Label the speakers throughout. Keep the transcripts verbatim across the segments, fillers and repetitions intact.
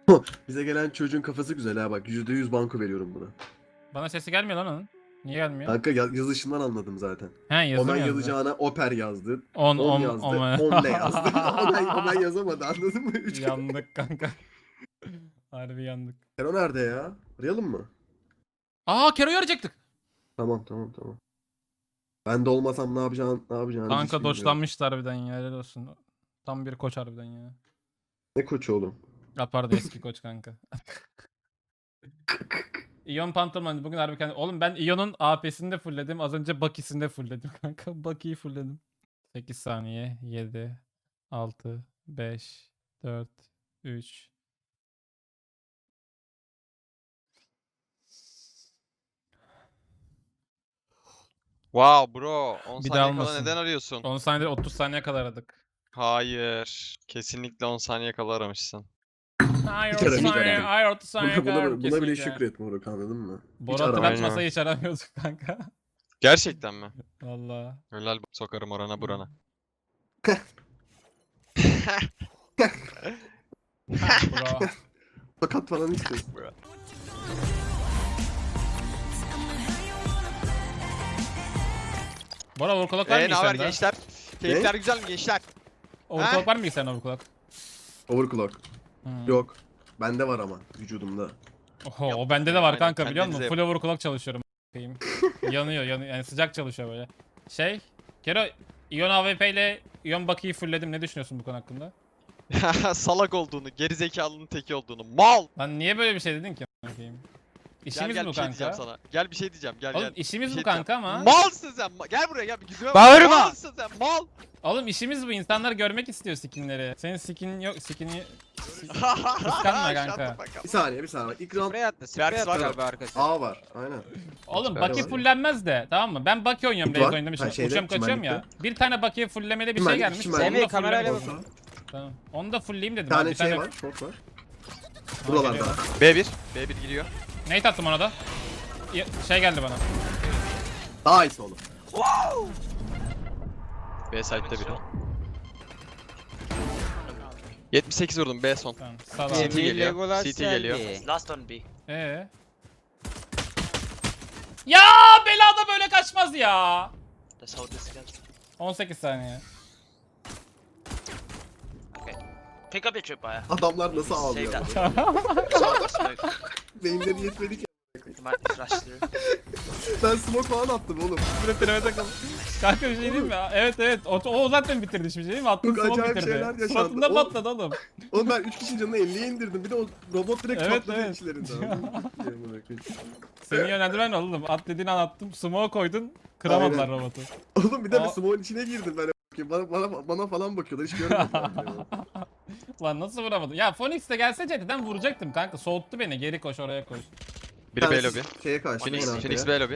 Speaker 1: Bize gelen çocuğun kafası güzel ha bak. yüzde yüz banko veriyorum buna.
Speaker 2: Bana sesi gelmiyor lan onun. Niye gelmiyor?
Speaker 1: Kanka ya- yazışından anladım zaten.
Speaker 2: He yazım
Speaker 1: Omen
Speaker 2: yazdı.
Speaker 1: yazacağına oper yazdı.
Speaker 2: On,
Speaker 1: On
Speaker 2: on,
Speaker 1: yazdı.
Speaker 2: on.
Speaker 1: On ne yazdı? Omen, Omen yazamadı anladın mı? Üç kere.
Speaker 2: Yandık kanka. Harbi yandık.
Speaker 1: Kero nerede ya? Arayalım mı?
Speaker 2: Aa Kero'yu arayacaktık.
Speaker 1: Tamam tamam tamam. Ben de olmasam ne yapacağını ne yapacağını hiç
Speaker 2: Kanka
Speaker 1: bilmiyorum.
Speaker 2: doçlanmıştı harbiden ya. Helal olsun. Tam bir koç harbiden ya.
Speaker 1: Ne koçu oğlum?
Speaker 2: Ya pardon eski koç kanka. İyon pantolon bugün harbi kendi... Oğlum ben İyon'un A P'sini de fullledim. Az önce Bucky'sini de fullledim kanka. Bucky'yi fullledim. sekiz saniye. yedi, altı, beş, dört, üç.
Speaker 3: Wow bro. on
Speaker 2: Bir
Speaker 3: saniye
Speaker 2: daha
Speaker 3: kala
Speaker 2: olmasın.
Speaker 3: neden arıyorsun?
Speaker 2: on saniyede otuz saniye kadar aradık.
Speaker 3: Hayır. Kesinlikle on saniye kala aramışsın.
Speaker 2: Hayır
Speaker 1: Hiç
Speaker 2: otuz
Speaker 1: aramayacak.
Speaker 2: saniye, hayır otuz saniye
Speaker 1: Buna,
Speaker 2: kadar
Speaker 1: buna, buna bile
Speaker 2: kesinlikle.
Speaker 1: şükret Moruk anladın mı? Hiç
Speaker 2: Boru
Speaker 1: arama.
Speaker 2: hatırlatmasa
Speaker 3: Aynen.
Speaker 2: hiç aramıyorduk kanka.
Speaker 3: Gerçekten mi?
Speaker 2: Valla.
Speaker 3: Helal sokarım orana burana.
Speaker 2: Bro.
Speaker 1: Fakat falan istiyorsun.
Speaker 2: Bora overclock var mı
Speaker 3: Eee ne haber
Speaker 2: sende?
Speaker 3: gençler? Keyifler güzel mi gençler?
Speaker 2: Overclock var mı sende overclock?
Speaker 1: Overclock.
Speaker 2: Hmm.
Speaker 1: Yok. Bende var ama vücudumda.
Speaker 2: Oho,
Speaker 3: Yok,
Speaker 2: o bende de var
Speaker 3: aynen,
Speaker 2: kanka biliyor musun?
Speaker 3: kendinize
Speaker 2: Full overclock çalışıyorum. a**ayım. yanıyor yanıyor yani sıcak çalışıyor böyle. Şey, Kero, Ion A W P ile Ion Bucky'yi fullledim. Ne düşünüyorsun bu konu hakkında?
Speaker 3: Salak olduğunu, gerizekalının teki olduğunu. Mal!
Speaker 2: Lan niye böyle bir şey dedin ki? a**ayım?
Speaker 3: Gel
Speaker 2: İşimiz
Speaker 3: gel
Speaker 2: bu
Speaker 3: bir şey diyeceğim
Speaker 2: kanka.
Speaker 3: sana. Gel bir şey diyeceğim. Gel
Speaker 2: Oğlum
Speaker 3: gel.
Speaker 2: işimiz
Speaker 3: Bir
Speaker 2: bu
Speaker 3: şey
Speaker 2: kanka
Speaker 3: diyeceğim.
Speaker 2: ama.
Speaker 3: Malsın sen. ma- Gel buraya gel. Bir yüzüme bak.
Speaker 4: Bağırma!
Speaker 3: Malsın sen. Mal!
Speaker 2: Oğlum işimiz bu. İnsanlar görmek istiyor skinleri. Senin skin yok, skin'i kıskanma kanka.
Speaker 1: Bir saniye bir saniye. İlk round
Speaker 4: Sprey attı.
Speaker 3: Berks
Speaker 4: Sprey attı
Speaker 3: var.
Speaker 4: galiba arkası.
Speaker 1: A var. Aynen.
Speaker 2: Oğlum
Speaker 3: Süper
Speaker 2: Bucky
Speaker 1: var.
Speaker 2: fullenmez de tamam mı? Ben Bucky oynuyorum
Speaker 1: Var.
Speaker 2: Raze
Speaker 1: Ha,
Speaker 2: oynamışım.
Speaker 1: şeyde,
Speaker 2: Uçuyorum kaçıyorum ya.
Speaker 1: çimenlikte.
Speaker 2: Bir tane Bucky'ye fullemede bir şey
Speaker 1: Çimenlik,
Speaker 2: gelmiş.
Speaker 1: çimenlik.
Speaker 2: Onu da
Speaker 4: Semih, kamerayla
Speaker 2: fullemedim.
Speaker 4: bak.
Speaker 2: Tamam. Onu da fullleyeyim dedim.
Speaker 1: Bir tane
Speaker 2: abi.
Speaker 1: şey var. Short var.
Speaker 2: Ha,
Speaker 1: Buralarda.
Speaker 2: geliyor.
Speaker 3: B bir. B bir giriyor.
Speaker 2: Nate attım ona da. Ya- Şey geldi bana.
Speaker 1: Daha iyisi oğlum.
Speaker 3: B site'de biri. yetmiş sekiz vurdum B son.
Speaker 2: Tamam. Sağ ol
Speaker 3: C T
Speaker 2: abi.
Speaker 4: Semih
Speaker 3: geliyor,
Speaker 4: Legolas
Speaker 3: C T geliyor.
Speaker 4: geldi.
Speaker 5: Last on B.
Speaker 2: Ee? Ya belada böyle kaçmaz ya.
Speaker 5: That's how this goes.
Speaker 2: on sekiz saniye.
Speaker 5: Okay. Pick up your tripwire.
Speaker 1: Adamlar nasıl
Speaker 5: Save
Speaker 1: ağlıyor?
Speaker 5: that. Smoke, smoke.
Speaker 1: Beyinleri yetmedi ki.
Speaker 5: You might flash through.
Speaker 1: Ben smoke falan attım oğlum.
Speaker 2: Süre pirame takıldı. Kanka bir şey diyeyim mi? Evet evet. O, o zaten bitirdi şimdi değil mi? Attım
Speaker 1: Çok
Speaker 2: smoke
Speaker 1: acayip
Speaker 2: bitirdi.
Speaker 1: şeyler yaşandı.
Speaker 2: Suratında
Speaker 1: O-
Speaker 2: patladı oğlum.
Speaker 1: Oğlum ben üç kişinin canını elliye indirdim. Bir de o robot direkt
Speaker 2: Evet,
Speaker 1: patladı
Speaker 2: evet.
Speaker 1: içlerinden.
Speaker 2: Seni yönlendirmen oğlum. At dediğin an attım. Smoke koydun. Kıramadılar
Speaker 1: Aynen.
Speaker 2: robotu.
Speaker 1: Oğlum bir de
Speaker 2: Aa.
Speaker 1: bir smoke'un içine girdim ben. Bana, bana, bana falan bakıyorlar hiç görmedim.
Speaker 2: Lan nasıl vuramadım? Ya Phoenix de gelse C T'den vuracaktım kanka. Soğuttu beni. Geri koş oraya koş.
Speaker 3: Biri B lobby.
Speaker 1: Şeye karşı.
Speaker 3: Phoenix,
Speaker 1: en arkaya.
Speaker 3: Phoenix B lobby.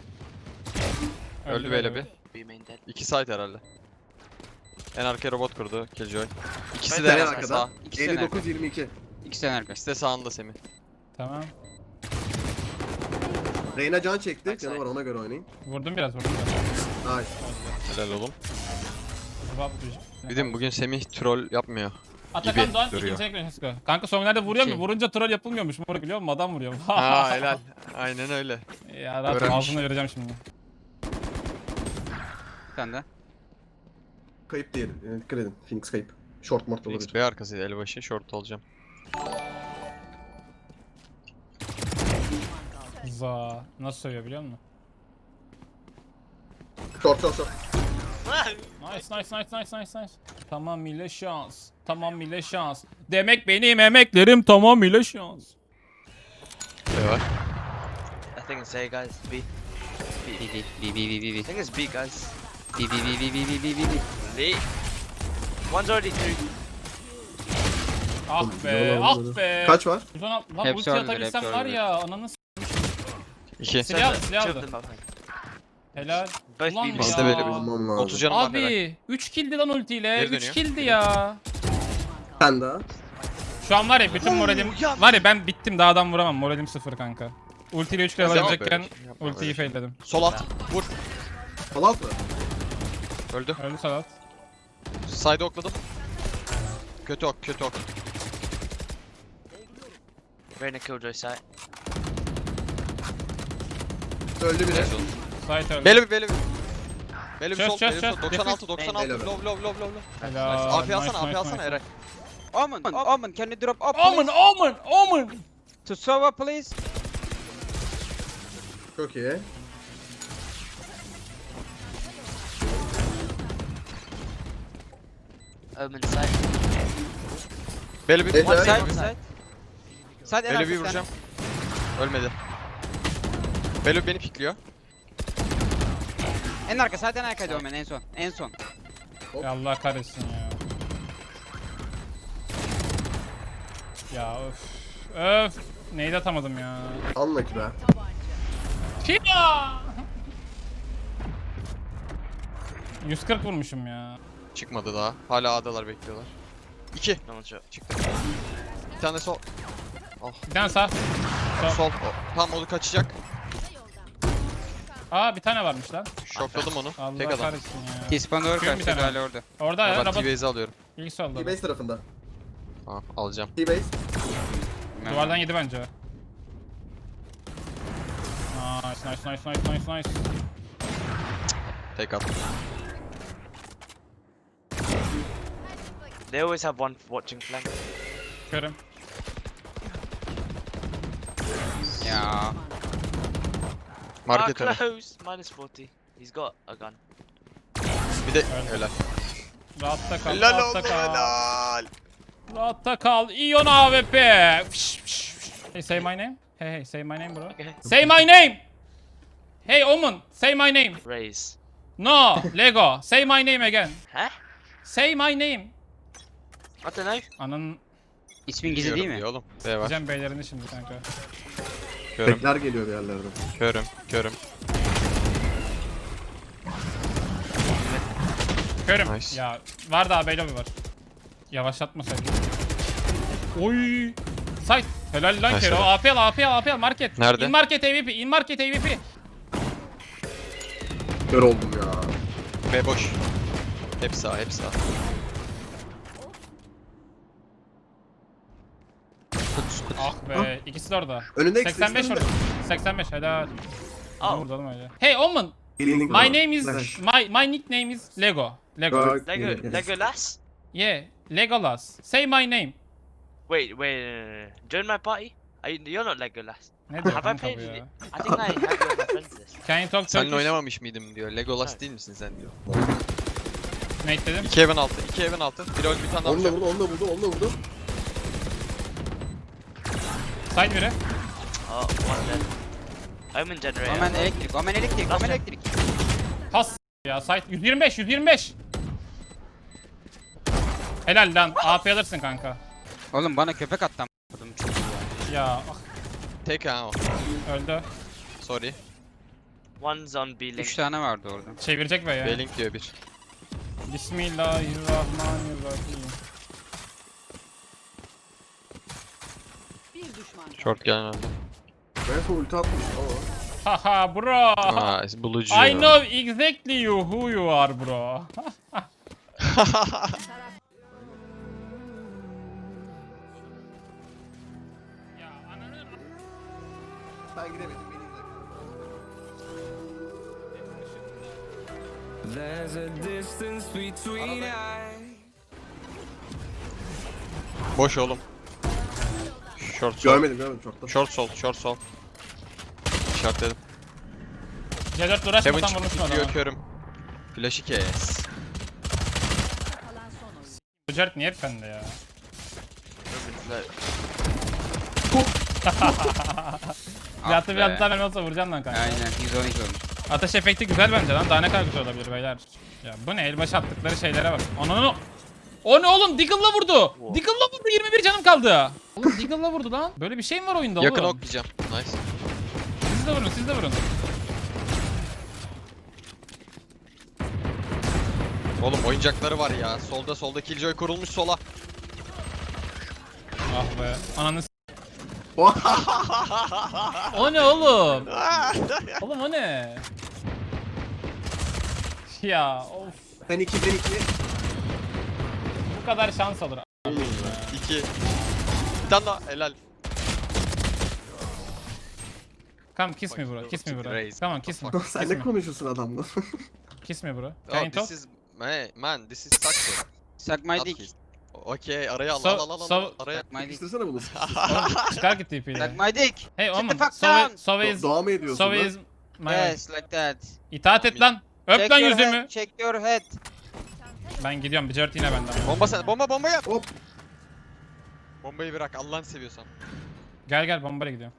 Speaker 3: Öldü B lobby.
Speaker 5: B main dead.
Speaker 3: İki site herhalde. En arkaya robot kurdu Killjoy. İkisi
Speaker 1: Bir
Speaker 3: de
Speaker 1: tane
Speaker 3: en
Speaker 1: arkada.
Speaker 3: sağ.
Speaker 4: İkisi de
Speaker 1: elli
Speaker 4: nerede?
Speaker 1: dokuz yirmi iki.
Speaker 4: İkisi de arkası.
Speaker 3: İkisi de sağında Semih.
Speaker 2: Tamam.
Speaker 1: Reyna can çekti.
Speaker 5: Backside.
Speaker 1: Canı var ona göre oynayın.
Speaker 2: Vurdum biraz vurdum biraz.
Speaker 1: Nice.
Speaker 3: Helal oğlum.
Speaker 2: Vap-
Speaker 3: Dedim bugün Semih troll yapmıyor.
Speaker 2: Atakan
Speaker 3: gibi
Speaker 2: Doğan
Speaker 3: duruyor.
Speaker 2: ikinci ekran Cisco. Kanka sonlarda vuruyor mu?
Speaker 4: Şey.
Speaker 2: Vurunca troll yapılmıyormuş. Moruk biliyor musun? Adam vuruyor.
Speaker 3: Ha helal. Aynen öyle.
Speaker 2: Ya rahat
Speaker 3: Öğrenmiş.
Speaker 2: ağzına vereceğim şimdi.
Speaker 4: Bir tane de.
Speaker 1: Kayıp değil. Yani dikkat edin. Phoenix kayıp. Short mort
Speaker 3: Phoenix
Speaker 1: olabilir.
Speaker 3: B arkasıydı elbaşı. Short olacağım.
Speaker 2: Za. Nasıl söylüyor biliyor musun?
Speaker 1: Short short short.
Speaker 2: Nice nice nice nice nice nice. Tamamıyla şans. Tamamıyla şans. Demek benim emeklerim tamamıyla şans.
Speaker 3: B var.
Speaker 5: I think it's A guys. B.
Speaker 4: B B B B B B
Speaker 5: I
Speaker 4: B
Speaker 5: think it's B guys.
Speaker 4: B B B B B B B B.
Speaker 5: B. One's already through.
Speaker 2: Ah be ah be.
Speaker 1: Kaç var?
Speaker 2: yüz on altı lan
Speaker 4: Hepsi
Speaker 2: ulti
Speaker 4: öldü,
Speaker 2: atabilsem
Speaker 4: hepsi
Speaker 2: var
Speaker 4: öldü.
Speaker 2: ya ananı s-
Speaker 3: İki.
Speaker 2: Silah aldı
Speaker 5: Two
Speaker 2: silah
Speaker 5: of
Speaker 2: aldı.
Speaker 5: them behind.
Speaker 2: Helal.
Speaker 5: Both
Speaker 2: Ulan
Speaker 5: B.
Speaker 3: Biz
Speaker 2: ya.
Speaker 3: de böyle bir-
Speaker 1: Almam lazım.
Speaker 3: otuz canım var helal.
Speaker 2: Abi üç killdi lan ultiyle.
Speaker 3: Geri
Speaker 2: üç
Speaker 3: dönüyor.
Speaker 2: killdi ya.
Speaker 1: Sen daha.
Speaker 2: Şu an var ya bütün moralim
Speaker 5: ya.
Speaker 2: var ya ben bittim daha adam vuramam. Moralim sıfır kanka. Ultiyle üç kere
Speaker 3: Yapma
Speaker 2: alabilecekken
Speaker 3: böyle şey, yapma
Speaker 2: ultiyi
Speaker 3: böyle şey.
Speaker 2: failledim.
Speaker 3: Sol at. Vur.
Speaker 1: Fallout mı?
Speaker 3: Öldü.
Speaker 2: Öldü Salat.
Speaker 3: Side'ı okladım. Kötü ok, kötü ok.
Speaker 5: Reyna killjoy site.
Speaker 1: Öldü biri.
Speaker 2: Site öldü.
Speaker 3: Beli bir beli bir. Beli bir
Speaker 2: Çöz,
Speaker 3: sol,
Speaker 2: çöz,
Speaker 3: beli bir
Speaker 2: çöz.
Speaker 3: sol. doksan altı, doksan altı.
Speaker 1: Helal.
Speaker 3: Low, low, low, low, low.
Speaker 2: Helal.
Speaker 3: A P alsana,
Speaker 2: Nice,
Speaker 3: A P
Speaker 2: nice,
Speaker 3: alsana
Speaker 2: nice.
Speaker 3: Eray.
Speaker 4: Omen, Omen, can you drop up
Speaker 2: Omen,
Speaker 4: please?
Speaker 2: Omen, Omen.
Speaker 4: To Sova please.
Speaker 1: Çok iyi.
Speaker 5: Omen site.
Speaker 3: Beli bir.
Speaker 1: Evet,
Speaker 3: One
Speaker 1: evet.
Speaker 3: side.
Speaker 4: Side, side. Side en
Speaker 3: Beli
Speaker 4: arka
Speaker 3: bir
Speaker 4: bir tane.
Speaker 3: vuracağım. Ölmedi. Beli beni pikliyor.
Speaker 4: En arka, side en arkaydı Omen en son. En son.
Speaker 2: Ya Allah kahretsin ya. Ya öf. Öf. Neyi de atamadım ya.
Speaker 1: Anla ki be.
Speaker 2: Fia! yüz kırk vurmuşum ya.
Speaker 3: Çıkmadı daha. Hala A'dalar bekliyorlar. İki.
Speaker 5: No one shot.
Speaker 3: Çıktı. Bir tane sol.
Speaker 2: Bir tane sağ. Sol.
Speaker 3: Sol. O, tam onu kaçacak.
Speaker 2: Aa bir tane varmış lan.
Speaker 3: Şokladım onu.
Speaker 2: Allah
Speaker 3: Tek adam.
Speaker 2: kahretsin ya.
Speaker 4: T-spawn doğru
Speaker 2: Şuyum bir
Speaker 4: karşıydı
Speaker 2: tane.
Speaker 4: hala orada.
Speaker 2: Orada ya.
Speaker 3: Ben
Speaker 2: Rabat.
Speaker 3: T-Base'i alıyorum.
Speaker 2: İlk solda.
Speaker 1: T-base tarafında.
Speaker 3: Tamam alacağım.
Speaker 1: T-base.
Speaker 2: Duvardan yedi bence. Nice nice nice nice nice nice.
Speaker 3: Tek at.
Speaker 5: They always have one watching flank.
Speaker 2: Körüm.
Speaker 4: Ya.
Speaker 3: Market
Speaker 5: ah,
Speaker 3: önü.
Speaker 5: close. Minus forty. He's got a gun.
Speaker 3: Bir de helal.
Speaker 2: Rahatta kal.
Speaker 3: Helal
Speaker 2: rahatta
Speaker 3: oldu
Speaker 2: kal.
Speaker 3: helal.
Speaker 2: Rahatta kal. Ion A W P. Fış, fış, fış. Hey say my name. Hey hey say my name bro.
Speaker 5: Okay.
Speaker 2: Say my name. Hey Omen. Say my name.
Speaker 5: Raise.
Speaker 2: No. Lego. Say my name again.
Speaker 5: Huh?
Speaker 2: Say my name.
Speaker 5: I don't know.
Speaker 2: Ananın
Speaker 4: İsmin gizli değil mi?
Speaker 3: Diyor oğlum. B var.
Speaker 2: diyeceğim beylerini şimdi kanka.
Speaker 3: Körüm.
Speaker 1: Bekler geliyor bir yerlerden.
Speaker 3: Körüm. Körüm.
Speaker 2: Körüm.
Speaker 3: Nice.
Speaker 2: Ya var daha beylobi var. Yavaşlatmasaydı. Oy. Site. Helal lan
Speaker 3: Nice
Speaker 2: Kero.
Speaker 3: helal.
Speaker 2: A P al A P al A P al market.
Speaker 3: Nerede?
Speaker 2: In market A V P. In market A V P.
Speaker 1: Kör oldum ya.
Speaker 3: B boş. Hep sağ, hep sağ.
Speaker 2: Ah be. İkisi de orada.
Speaker 1: Önünde
Speaker 2: seksen beş orada. seksen beş helal.
Speaker 5: Oh.
Speaker 2: Vurdu oğlum öyle. Hey Omen.
Speaker 1: Healing
Speaker 2: My
Speaker 1: var.
Speaker 2: name is
Speaker 1: Flash.
Speaker 2: my my nickname is Lego. Lego.
Speaker 1: Bak,
Speaker 5: Lego.
Speaker 1: yes.
Speaker 5: Legolas.
Speaker 2: Yeah. Legolas. Say my name.
Speaker 5: Wait, wait. No, no, no. Join my party. Are you, you're not Legolas.
Speaker 2: Ne diyor
Speaker 5: Have I
Speaker 2: kanka
Speaker 5: played
Speaker 2: bu
Speaker 5: with
Speaker 2: ya?
Speaker 5: it? I think I have you on my friends list.
Speaker 2: Can you talk
Speaker 3: Seninle
Speaker 2: Turkish?
Speaker 3: oynamamış mıydım diyor. Legolas
Speaker 5: Evet.
Speaker 3: değil misin sen diyor.
Speaker 2: Nate dedim.
Speaker 3: İki evin altı, iki evin altı. Bir öldü, bir tane daha
Speaker 1: Onu da
Speaker 3: vuracağım.
Speaker 1: vurdu, onu da vurdu, onu da vurdu.
Speaker 2: Side biri.
Speaker 5: Oh, one dead. Omen generator.
Speaker 4: Omen elektrik, Omen elektrik,
Speaker 5: Last
Speaker 4: Omen
Speaker 5: one.
Speaker 4: elektrik.
Speaker 2: Pas ya site yüz yirmi beş yüz yirmi beş. Helal lan A P alırsın kanka.
Speaker 4: Oğlum bana köpek attı am***ım çok iyi ya.
Speaker 2: Ya ah,
Speaker 3: Tek ha o.
Speaker 2: öldü.
Speaker 3: Sorry.
Speaker 5: One's on B link.
Speaker 4: Üç tane vardı orada.
Speaker 2: Çevirecek be ya.
Speaker 3: B-Link diyor bir.
Speaker 2: Bismillahirrahmanirrahim.
Speaker 3: Short gelen öldü.
Speaker 1: Belki ulti atmış ama.
Speaker 2: Haha bro.
Speaker 3: Aa, bulucu.
Speaker 2: I know exactly you who you are bro. Ya ananı
Speaker 1: Ben gidemedim, beni izle.
Speaker 6: There's a distance between us.
Speaker 3: Boş oğlum. Short sol.
Speaker 1: Görmedim, görmedim çok da.
Speaker 3: Short sol, short sol. İşaretledim.
Speaker 2: C dört
Speaker 3: Heaven
Speaker 2: uğraşmasan
Speaker 3: çıktı,
Speaker 2: vurmuşsun
Speaker 3: gidiyor
Speaker 2: adamı.
Speaker 3: körüm. Flash'ı kes.
Speaker 2: Bu Jared niye hep bende ya?
Speaker 5: Omen's low.
Speaker 2: Bir atı bir
Speaker 4: be.
Speaker 2: atı daha verme olsa vuracaksın lan kanka.
Speaker 4: Aynen yüz on iki olmuş.
Speaker 2: Ateş efekti güzel bence lan. Daha ne kadar güzel olabilir beyler. Ya bu ne? Elbaşı attıkları şeylere bak. Ananı. O ne oğlum? Deagle'la vurdu. Deagle'la vurdu. yirmi bir canım kaldı. Oğlum Deagle'la vurdu lan. Böyle bir şey mi var oyunda
Speaker 3: Yakın
Speaker 2: oğlum?
Speaker 3: oklayacağım. Nice.
Speaker 2: Siz de vurun, siz de vurun.
Speaker 3: Oğlum oyuncakları var ya. Solda solda Killjoy kurulmuş sola.
Speaker 2: Ah be. Ananı s- O ne oğlum? Oğlum o ne? Ya of.
Speaker 1: Sen iki, ben iki.
Speaker 2: Bu kadar şans olur.
Speaker 3: İki. Bir tane daha helal.
Speaker 2: Come kiss me bro.
Speaker 3: Fucking
Speaker 2: Kiss me bro.
Speaker 3: raise.
Speaker 2: Come on kiss me.
Speaker 1: Sen
Speaker 2: Kiss
Speaker 1: ne
Speaker 2: me.
Speaker 1: konuşuyorsun adamla?
Speaker 2: Kiss me bro.
Speaker 3: Oh,
Speaker 2: Can you talk?
Speaker 3: this is man, man, this is success.
Speaker 4: Suck my
Speaker 3: Not
Speaker 4: dick.
Speaker 3: kiss. Okey, araya al,
Speaker 2: So-
Speaker 3: al, al, al, al,
Speaker 2: so-
Speaker 3: araya.
Speaker 4: Suck my dick.
Speaker 1: İstesene bunu.
Speaker 2: Oğlum, çıkar git T P'yle.
Speaker 4: Suck my dick.
Speaker 2: Hey
Speaker 4: Sit
Speaker 2: oğlum.
Speaker 4: the fuck
Speaker 2: Sove,
Speaker 4: down.
Speaker 2: Sove
Speaker 1: Do-
Speaker 2: is...
Speaker 1: Doğa mı ediyorsun
Speaker 2: Sove
Speaker 1: lan?
Speaker 2: is... My
Speaker 4: Yes, like that.
Speaker 2: İtaat et lan. Öp
Speaker 4: Check
Speaker 2: lan
Speaker 4: your
Speaker 2: yüzümü.
Speaker 4: head, check your head.
Speaker 2: Ben gidiyorum. Bir cört yine benden.
Speaker 3: Bomba sen, bomba bomba yap.
Speaker 1: Hop.
Speaker 3: Bombayı bırak Allah'ını seviyorsan.
Speaker 2: Gel gel bombayla gidiyorum.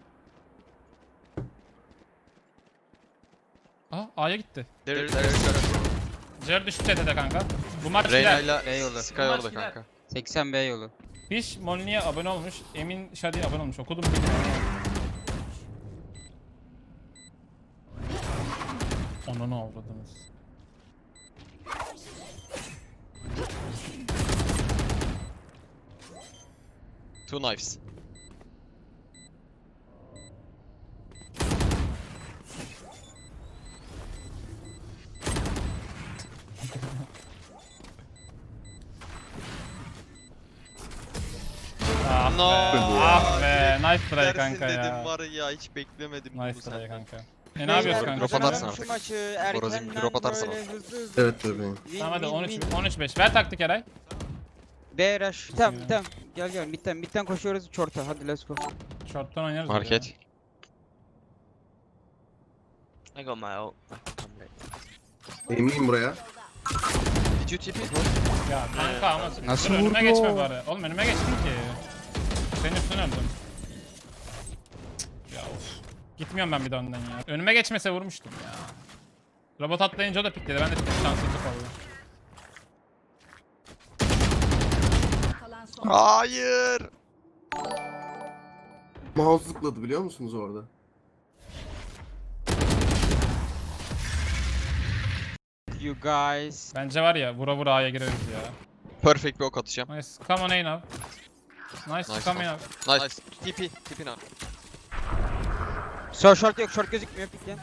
Speaker 2: Aa A'ya gitti.
Speaker 3: There, there, there.
Speaker 2: Cert düştü T T'de kanka. Bu maç
Speaker 3: Reyna
Speaker 2: gider.
Speaker 3: ile
Speaker 4: Eyvallah.
Speaker 3: Sky orada kanka.
Speaker 4: seksen B yolu.
Speaker 2: Fish Molly'ye abone olmuş. Emin Şadi'ye abone olmuş. Okudum bilmiyorum. Onu avradınız.
Speaker 3: Two knives.
Speaker 2: Ah
Speaker 3: No.
Speaker 2: be. Ah be. Nice try
Speaker 3: Dersin
Speaker 2: kanka
Speaker 3: dedim
Speaker 2: ya.
Speaker 3: var ya hiç beklemedim bunu
Speaker 2: Nice try
Speaker 3: senden.
Speaker 2: kanka. E ne yapıyoruz kanka?
Speaker 3: Drop atarsın
Speaker 4: Kazanalım
Speaker 3: artık.
Speaker 4: şu maçı
Speaker 3: Borazim,
Speaker 4: erkenden
Speaker 3: drop atarsın
Speaker 4: böyle
Speaker 3: artık.
Speaker 4: hızlı hızlı.
Speaker 1: Evet bebeğim.
Speaker 4: Win,
Speaker 2: Tamam hadi
Speaker 4: win,
Speaker 2: on üç
Speaker 4: win.
Speaker 2: on üç beş. Ver taktik Eray.
Speaker 4: B rush. Tamam
Speaker 2: ya.
Speaker 4: tamam. Gel gel midden midden koşuyoruz çorta. Hadi let's go.
Speaker 2: Short'tan oynarız. ya.
Speaker 3: Market.
Speaker 5: I got my ult.
Speaker 1: Emineyim buraya.
Speaker 3: Did you T P?
Speaker 2: Ya kanka ama
Speaker 4: Nasıl
Speaker 2: dur, önüme
Speaker 4: vurdu
Speaker 2: geçme
Speaker 4: o?
Speaker 2: bari. Oğlum önüme geçtin ki. Senin üstüne öldüm. Cık, Ya of. Gitmiyorum ben bir de önden ya. Önüme geçmese vurmuştum ya. Robot atlayınca o da pikledi. Ben de şanssızlık oldu.
Speaker 7: Kalan son.
Speaker 3: Hayır.
Speaker 1: Mouse zıpladı biliyor musunuz orada?
Speaker 4: You guys.
Speaker 2: Bence var ya vura vura A'ya gireriz ya.
Speaker 3: Perfect bir ok atacağım.
Speaker 2: Nice. Come on A now. Nice,
Speaker 3: Nice,
Speaker 2: come
Speaker 3: nice.
Speaker 2: in now.
Speaker 3: Nice. T P. T P now.
Speaker 4: So short yok short gözükmüyor piklen.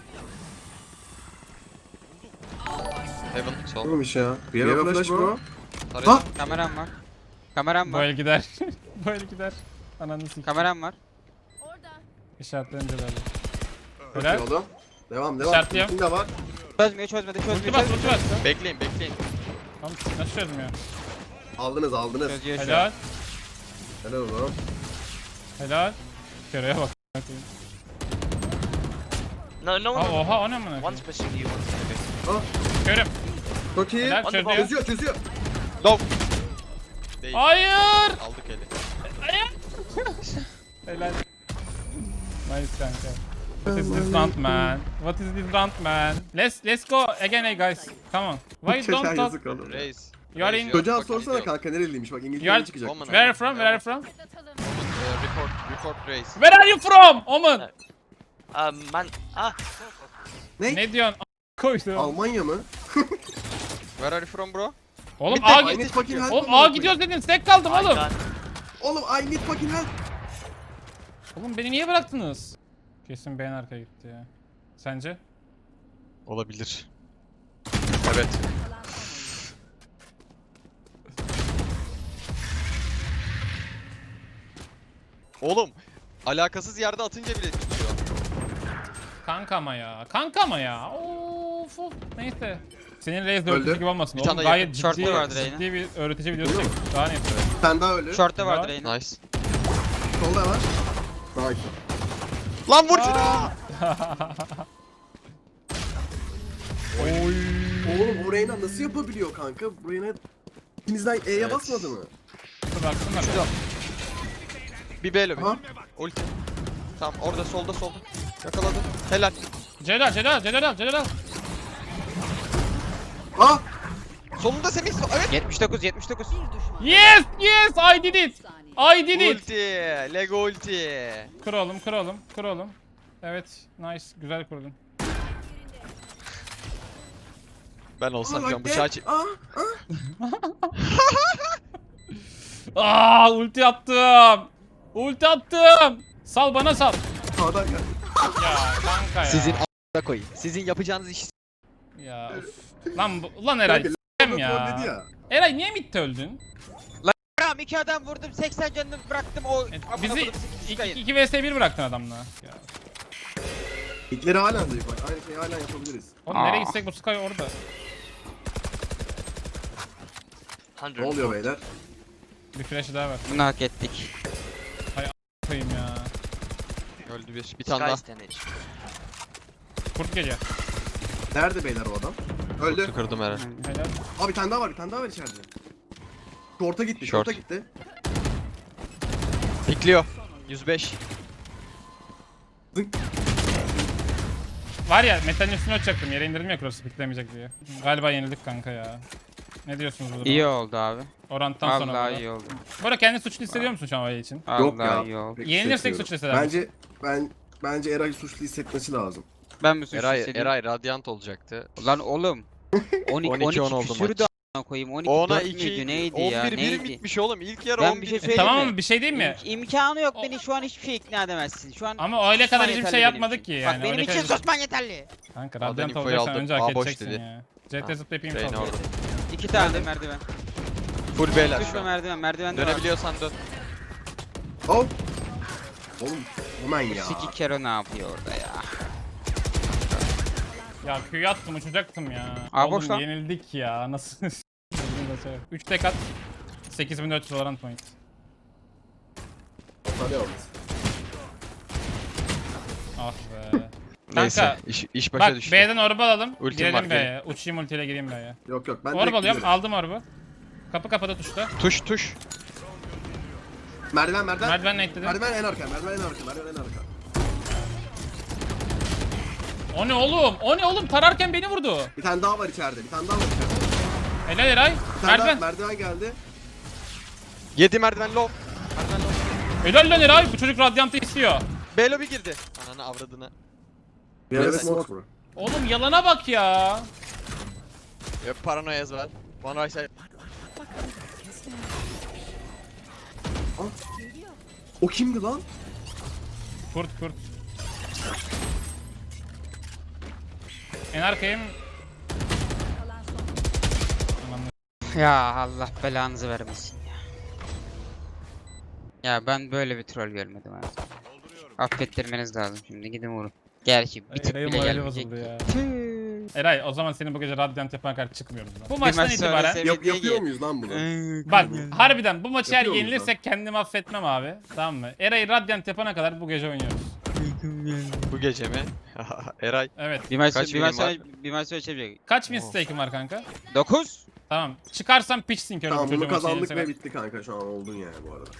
Speaker 3: Heaven. Sol.
Speaker 1: Oğlum iş ya. Bir yere flash bro.
Speaker 3: Tarayalım.
Speaker 1: Ha!
Speaker 4: Kameram var. Kameram
Speaker 2: Bu
Speaker 4: var.
Speaker 2: el gider. Bu el gider. Ananı sikeyim.
Speaker 4: Kameram var.
Speaker 7: Orada.
Speaker 2: İşaretlenince böyle.
Speaker 1: Çok iyi
Speaker 2: Helal.
Speaker 1: oğlum. Devam devam.
Speaker 2: İşaretliyorum.
Speaker 1: İçinde var.
Speaker 4: Çözmüyor çözmedi
Speaker 2: Ulti
Speaker 4: çözmüyor
Speaker 2: bas,
Speaker 4: çözmüyor.
Speaker 2: ulti bas.
Speaker 3: Bekleyin bekleyin.
Speaker 2: Tamam, nasıl çözmüyor?
Speaker 1: Aldınız aldınız.
Speaker 4: Çözüyor şu an.
Speaker 2: Helal.
Speaker 1: Helal oğlum.
Speaker 2: Helal. Köreye bak.
Speaker 5: No, no
Speaker 2: Aa,
Speaker 5: one.
Speaker 2: oha o ne amına
Speaker 5: One's
Speaker 2: koyayım?
Speaker 5: pushing you, one's pushing
Speaker 2: Körüm.
Speaker 1: Çok iyi.
Speaker 2: Helal çözüyor.
Speaker 1: Çözüyor çözüyor.
Speaker 3: Low. Değil.
Speaker 2: Hayır.
Speaker 3: Aldık eli.
Speaker 2: Helal. Nice kanka. What is this round man? What is this round man? Let's let's go again hey guys. Come on. Why
Speaker 1: Çocuğa
Speaker 2: don't talk?
Speaker 1: yazık oğlum.
Speaker 3: Reis.
Speaker 2: You are
Speaker 3: Reis,
Speaker 2: in-
Speaker 3: you are
Speaker 1: Çocuğa
Speaker 3: fucking
Speaker 1: sorsana
Speaker 3: idiot.
Speaker 1: kanka nereliymiş bak
Speaker 2: You are
Speaker 1: İngiltere'ye çıkacak.
Speaker 3: Woman.
Speaker 2: Where are you from? Where are you from?
Speaker 7: Atlatalım.
Speaker 3: Uh, report. Report Reis.
Speaker 2: Where are you from? Omen.
Speaker 5: Um, man. Ah,
Speaker 1: Ne?
Speaker 2: Ne diyorsun? A- Koydu.
Speaker 1: Almanya mı?
Speaker 3: Where are you from bro?
Speaker 2: Oğlum
Speaker 1: Bitti,
Speaker 2: A
Speaker 1: I need
Speaker 2: git.
Speaker 1: fucking help
Speaker 2: Oğlum
Speaker 1: amına
Speaker 2: A
Speaker 1: koyayım.
Speaker 2: gidiyoruz dedin. Stack kaldım
Speaker 5: I
Speaker 2: oğlum.
Speaker 5: can't.
Speaker 1: Oğlum I need fucking help.
Speaker 2: Oğlum beni niye bıraktınız? Kesin beğen arkaya gitti ya. Sence?
Speaker 3: Olabilir. Evet.
Speaker 7: Kalan son.
Speaker 3: Oğlum. Alakasız yerde atınca bile tutuyor.
Speaker 2: Kanka ama ya. Kanka ama ya. Of of. Neyse. Senin Reis de
Speaker 1: Öldü.
Speaker 2: öğretici gibi olmasın.
Speaker 3: Bir
Speaker 2: Oğlum
Speaker 3: tane daha
Speaker 2: gayet
Speaker 4: yakın.
Speaker 2: ciddi,
Speaker 4: Short'ta vardı Reyna.
Speaker 2: ciddi bir öğretici videosu çek. Daha ne yapıyor?
Speaker 1: Sen daha ölü.
Speaker 4: Short'ta vardı
Speaker 2: Var.
Speaker 4: Reyna.
Speaker 3: Nice.
Speaker 1: Solda var. Nice.
Speaker 3: Lan vur şunu!
Speaker 2: Oy.
Speaker 1: Oğlum bu Reyna nasıl yapabiliyor kanka? Bu Reyna ikinizden E'ye
Speaker 3: Evet.
Speaker 1: basmadı mı?
Speaker 2: Dur baksana.
Speaker 3: Şurada. Bir B lobi.
Speaker 1: Aha.
Speaker 3: Ulti. Tamam orada solda solda. Yakaladım. Helal.
Speaker 2: Celal, Celal, Celal al, Celal al.
Speaker 1: Ha!
Speaker 3: Solunda Semih. Evet.
Speaker 4: yetmiş dokuz yetmiş dokuz.
Speaker 7: Bir düşman.
Speaker 2: Yes, yes, I did it.
Speaker 7: Saniye.
Speaker 2: I did it.
Speaker 3: Ulti. Lego ulti.
Speaker 2: Kır oğlum, kır oğlum, kır oğlum. Evet, nice, güzel kurdun.
Speaker 3: Ben olsam şu an
Speaker 1: Aa,
Speaker 3: bıçağı çek.
Speaker 1: Aa, aa.
Speaker 2: Aa, ulti attım. Ulti attım. Sal bana sal.
Speaker 1: Sağdan geldi.
Speaker 2: Ya kanka ya.
Speaker 3: Sizin a**a koyayım. Sizin yapacağınız iş.
Speaker 2: Ya of. Lan bu- lan Eray
Speaker 1: Kanka,
Speaker 2: s**eyim
Speaker 1: trolledi
Speaker 2: ya.
Speaker 1: ya.
Speaker 2: Eray niye midde öldün?
Speaker 4: Tamam iki adam vurdum seksen canını bıraktım o.
Speaker 2: E,
Speaker 4: amına
Speaker 2: bizi
Speaker 4: koydum, sekiz kayın.
Speaker 2: iki vs bir bıraktın adamla. Ya.
Speaker 1: İlkleri halen zayıf bak. Aynı şeyi halen yapabiliriz.
Speaker 2: Oğlum nereye
Speaker 4: Aa.
Speaker 2: gitsek bu Sky orada.
Speaker 1: Ne oluyor beyler?
Speaker 2: Bir flash'ı daha ver.
Speaker 4: Bunu hak ettik.
Speaker 2: Koyayım ya.
Speaker 3: Öldü bir. Bir tane daha.
Speaker 5: Sky's damage.
Speaker 2: Kurt geliyor.
Speaker 1: Nerede beyler o adam? Öldü.
Speaker 3: Kutu kırdım herhalde.
Speaker 2: Helal.
Speaker 1: Abi bir tane daha var, bir tane daha var içeride. Short'a gitti,
Speaker 3: Short.
Speaker 1: short'a gitti.
Speaker 3: Pikliyor. yüz beş.
Speaker 2: Var ya metalin üstüne uçacaktım. Yere indirdim ya cross'u piklemeyecek diye. Galiba yenildik kanka ya. Ne diyorsunuz bu duruma?
Speaker 4: İyi oldu abi.
Speaker 2: Oranttan sonra.
Speaker 4: Vallahi
Speaker 2: burada.
Speaker 4: iyi oldu.
Speaker 2: Bu arada kendini suçlu hissediyor musun şu an Vay için?
Speaker 1: Yok ya.
Speaker 4: Vallahi iyi oldu.
Speaker 1: Pek
Speaker 2: Yenilirsek
Speaker 1: hissetmiyorum.
Speaker 2: suçlu hisseder misin?
Speaker 1: Bence ben bence Eray suçlu hissetmesi lazım.
Speaker 4: Ben mi suçlu
Speaker 3: Eray,
Speaker 4: hissediyorum?
Speaker 3: Eray Radiant olacaktı.
Speaker 4: Lan oğlum. on iki,
Speaker 3: on iki on oldu
Speaker 4: küsürdü
Speaker 3: maç.
Speaker 4: a**ına koyayım. on iki
Speaker 3: Ona
Speaker 4: dört
Speaker 3: iki,
Speaker 4: müydü neydi
Speaker 3: on bir
Speaker 4: ya
Speaker 3: bir
Speaker 4: neydi?
Speaker 3: bitmiş oğlum. İlk yarı
Speaker 4: Ben
Speaker 3: on
Speaker 4: bir
Speaker 3: bir.
Speaker 4: şey
Speaker 2: E,
Speaker 4: söyleyeyim
Speaker 2: tamam
Speaker 4: mi?
Speaker 2: mı? Bir şey değil mi?
Speaker 4: İm- imkanı yok beni şu an hiçbir şey ikna edemezsin. Şu an
Speaker 2: Ama öyle kadar
Speaker 4: susman
Speaker 2: hiçbir
Speaker 4: yeterli
Speaker 2: şey
Speaker 4: benim
Speaker 2: yapmadık
Speaker 4: için.
Speaker 2: ki yani.
Speaker 4: Bak benim
Speaker 2: öyle
Speaker 4: için
Speaker 2: kadar-
Speaker 4: susman yeterli.
Speaker 2: Kanka
Speaker 3: Adam
Speaker 2: Radiant
Speaker 3: infoyu
Speaker 2: olacaksan
Speaker 3: aldı.
Speaker 2: önce
Speaker 3: Aa,
Speaker 2: hak
Speaker 3: boş
Speaker 2: edeceksin
Speaker 3: dedi.
Speaker 2: ya. C T
Speaker 3: Ha,
Speaker 2: zıplayıp info
Speaker 3: Reyna
Speaker 2: alıyor.
Speaker 3: orada.
Speaker 4: İki tane merdiven.
Speaker 3: Full beyler
Speaker 4: Düşme
Speaker 3: şu an.
Speaker 4: merdiven merdiven de var.
Speaker 3: Dönebiliyorsan dön.
Speaker 1: Oh! Oğlum, hemen ya.
Speaker 4: Siki Kero ne yapıyor orada ya?
Speaker 2: Ya Q'yu attım uçacaktım ya.
Speaker 4: Aa, boş lan.
Speaker 2: Oğlum yenildik ya. Nasıl? üç tek at. sekiz bin dört yüz Valorant point.
Speaker 1: Hadi yalnız.
Speaker 2: Ah be.
Speaker 3: Neyse.
Speaker 2: Kanka,
Speaker 3: iş, iş başa
Speaker 2: Bak
Speaker 3: düştü.
Speaker 2: B'den orba alalım.
Speaker 3: Ultim
Speaker 2: girelim
Speaker 3: var,
Speaker 2: B'ye. Uçayım ultiyle gireyim B'ye.
Speaker 1: Yok yok ben
Speaker 2: Orba
Speaker 1: direkt
Speaker 2: alıyorum.
Speaker 1: gidiyorum.
Speaker 2: Aldım orbu. Kapı kapıda tuşta.
Speaker 3: Tuş tuş.
Speaker 1: Merdiven merdiven.
Speaker 2: Merdiven ekledim.
Speaker 1: Merdiven en arka, merdiven en arka, merdiven en arka.
Speaker 2: O ne oğlum? O ne oğlum? Tararken beni vurdu.
Speaker 1: Bir tane daha var içeride, bir tane daha var içeride.
Speaker 2: Helal Eray.
Speaker 1: Bir tane
Speaker 2: Merdiven.
Speaker 1: daha merdiven geldi.
Speaker 3: yedi merdiven low. Merdiven low.
Speaker 2: Helal lan Eray. Bu çocuk Radiant'ı istiyor.
Speaker 3: B lobby girdi. Ananı avradını.
Speaker 1: Bir
Speaker 3: Evet,
Speaker 1: evet, smoke bro.
Speaker 2: Oğlum yalana bak ya.
Speaker 3: Yok paranoyaz var. One right side.
Speaker 1: O kimdi lan?
Speaker 2: Kurt kurt. En arkayım.
Speaker 7: Kalan son.
Speaker 2: Aman
Speaker 4: Ya Allah belanızı vermesin ya. Ya ben böyle bir troll görmedim abi. Affettirmeniz lazım şimdi gidin vurun. Gerçi bir tık
Speaker 2: Eray'ın
Speaker 4: bile
Speaker 2: morali
Speaker 4: gelmeyecek.
Speaker 2: bozuldu ya.
Speaker 4: Tüh.
Speaker 2: Eray o zaman senin bu gece Radiant yapan kadar çıkmıyoruz. lan. Bu
Speaker 4: Bir
Speaker 2: maçtan
Speaker 4: maç sonra
Speaker 2: itibaren
Speaker 4: sev-
Speaker 1: Yap,
Speaker 4: Sevdiği
Speaker 1: yapıyor
Speaker 4: gibi.
Speaker 1: muyuz lan bunu?
Speaker 2: bak harbiden bu maçı eğer
Speaker 1: Yapıyor muyuz
Speaker 2: yenilirsek kendimi affetmem abi. Tamam mı? Eray'ı Radiant yapana kadar bu gece oynuyoruz.
Speaker 3: Bu gece mi? Eray.
Speaker 2: Evet.
Speaker 4: Bir maç
Speaker 3: Kaç
Speaker 4: bir maç
Speaker 3: milim var?
Speaker 4: sonra bir maç sonra çevirecek.
Speaker 2: Kaç mistake'im var kanka?
Speaker 4: dokuz.
Speaker 2: Tamam. Çıkarsam pitchsin körü bu
Speaker 1: Tamam
Speaker 2: çocuğu
Speaker 1: bunu
Speaker 2: maçı
Speaker 1: kazandık
Speaker 2: yenilse
Speaker 1: ve
Speaker 2: ben.
Speaker 1: bitti kanka şu an oldun yani bu arada.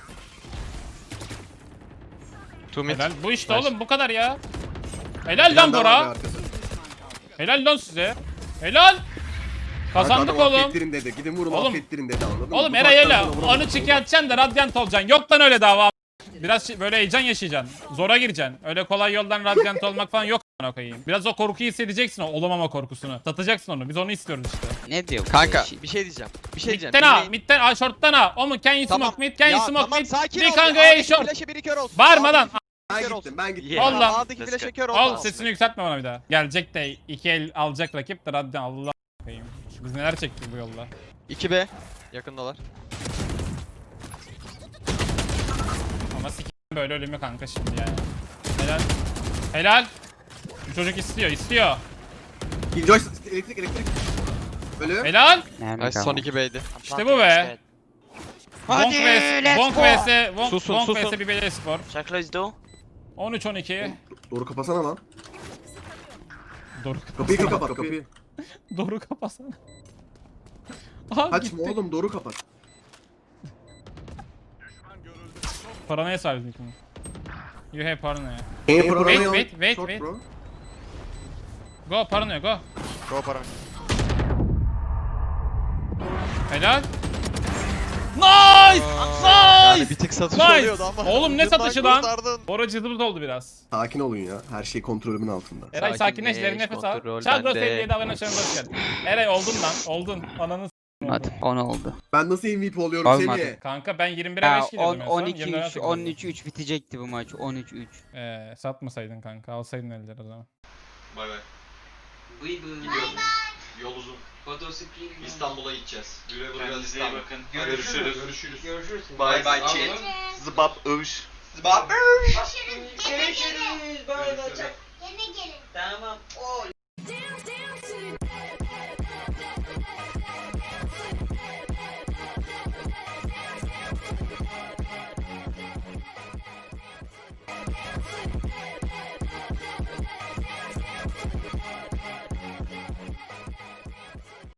Speaker 3: Two mid.
Speaker 2: Helal. Bu işte
Speaker 3: Nice.
Speaker 2: oğlum bu kadar ya.
Speaker 1: Bir
Speaker 2: Helal lan
Speaker 1: tane daha var
Speaker 2: Bora.
Speaker 1: arkası.
Speaker 2: Helal lan size. Helal. Kazandık
Speaker 1: Kanka adam
Speaker 2: oğlum.
Speaker 1: Affettirin dedi. Gidin vurun
Speaker 2: Oğlum-
Speaker 1: affettirin dedi anladın mı?
Speaker 2: Oğlum
Speaker 1: Bu
Speaker 2: Eray
Speaker 1: saatten
Speaker 2: öyle.
Speaker 1: sonra vuramaz.
Speaker 2: Onu çıkartacaksın da Radiant olacaksın. Yok lan öyle dava. Biraz şey- böyle heyecan yaşayacaksın. Zora gireceksin. Öyle kolay yoldan Radiant olmak falan yok a**ına koyayım. Biraz o korkuyu hissedeceksin o olamama korkusunu. Satacaksın onu. Biz onu istiyoruz işte.
Speaker 4: Ne diyor bu
Speaker 3: Kanka
Speaker 4: şey?
Speaker 3: bir şey diyeceğim. Bir şey diyeceğim.
Speaker 2: Mid'den ha,
Speaker 3: Dinleyin.
Speaker 2: mid'den ha, short'tan ha. O mu? Can you
Speaker 3: Tamam.
Speaker 2: smoke mid? Can you
Speaker 3: Ya
Speaker 2: smoke
Speaker 3: tamam
Speaker 2: mid?
Speaker 3: sakin
Speaker 2: Bir
Speaker 3: ol.
Speaker 2: kanka
Speaker 3: ya.
Speaker 2: ey
Speaker 3: A'daki
Speaker 2: short.
Speaker 3: flash'e biri kör olsun.
Speaker 2: Bağırma lan.
Speaker 3: A'daki
Speaker 1: Ben
Speaker 3: kör
Speaker 1: gittim
Speaker 3: olsun.
Speaker 1: ben gittim.
Speaker 5: Yeah.
Speaker 2: Ol lan.
Speaker 3: A'daki
Speaker 5: Let's
Speaker 3: flash'e
Speaker 5: go.
Speaker 3: kör
Speaker 2: Al
Speaker 3: olsun.
Speaker 2: sesini yükseltme bana bir daha. Gelecek de iki el alacak rakip de Radiant Allah koyayım. Biz neler çektik bu yolda.
Speaker 3: iki B. Yakındalar.
Speaker 2: Ama sikim böyle ölümü kanka şimdi yani. Helal. Helal. Bu çocuk istiyor, istiyor.
Speaker 1: Killjoy elektrik elektrik. Ölü.
Speaker 2: Helal.
Speaker 4: Mermi
Speaker 3: Nice son
Speaker 4: kalmadı.
Speaker 3: iki B'ydi.
Speaker 5: I'm
Speaker 2: İşte
Speaker 5: planting
Speaker 2: bu be.
Speaker 5: instead.
Speaker 2: Bonk
Speaker 4: Hadi,
Speaker 2: vs.
Speaker 4: let's
Speaker 2: Bonk
Speaker 4: go.
Speaker 2: vs. Bonk,
Speaker 3: Susun,
Speaker 2: Bonk
Speaker 3: susun.
Speaker 2: vs. Bibeli Spor.
Speaker 5: Shall I close door?
Speaker 2: on üç on iki.
Speaker 1: Doğru kapasana lan.
Speaker 2: Doğru
Speaker 1: Kapıyı kapat kapıyı.
Speaker 2: Doğru kapasana. Aha
Speaker 1: Kaçma
Speaker 2: gitti.
Speaker 1: oğlum doğru kapat.
Speaker 2: Paranoya sahibiz bunu. You have paranoya.
Speaker 1: Wait
Speaker 2: wait, wait, wait, wait.
Speaker 1: Bro.
Speaker 2: Go paranoya go.
Speaker 3: Go para.
Speaker 2: Helal. Nice!
Speaker 3: Yani
Speaker 2: Nice!
Speaker 3: bir tık satış
Speaker 2: Nice!
Speaker 3: oluyordu ama.
Speaker 2: Oğlum ne
Speaker 3: ucundan
Speaker 2: satışı lan?
Speaker 3: kurtardın.
Speaker 2: Bora cıdımız oldu biraz.
Speaker 1: Sakin olun ya. Her şey kontrolümün altında.
Speaker 2: Eray sakinleş, derin nefes al.
Speaker 3: kontrol
Speaker 2: Çagros
Speaker 3: bende.
Speaker 2: elliye de abone oluşlarına hoş geldin. Eray oldun lan, oldun. Ananı s**tim oldu.
Speaker 4: Olmadı. on oldu.
Speaker 1: Ben nasıl M V P oluyorum
Speaker 4: Olmadı.
Speaker 1: Semih?
Speaker 2: Kanka ben yirmi bire
Speaker 4: Ya
Speaker 2: beş gidiyordum
Speaker 4: on
Speaker 2: en son.
Speaker 4: on iki
Speaker 2: yirmi bire
Speaker 4: üç
Speaker 2: sekiz
Speaker 4: on
Speaker 2: oldu.
Speaker 4: üç üç bitecekti bu maç. on üç üç.
Speaker 2: Ee, satmasaydın kanka, alsaydın elleri o zaman.
Speaker 8: Bay bay.
Speaker 9: Bıy bıy.
Speaker 8: Gidiyorum. Yol uzun.
Speaker 9: Fotosikli.
Speaker 8: İstanbul'a gideceğiz. Güle güle
Speaker 9: Kendinize iyi
Speaker 8: İstanbul.
Speaker 9: bakın.
Speaker 8: Görüşürüz.
Speaker 9: Görüşürüz.
Speaker 8: Görüşürüz.
Speaker 9: Görüşürüz.
Speaker 8: Bye bye
Speaker 9: Anladın
Speaker 8: chat.
Speaker 9: mı?
Speaker 8: Zıbap övüş.
Speaker 9: Zıbap.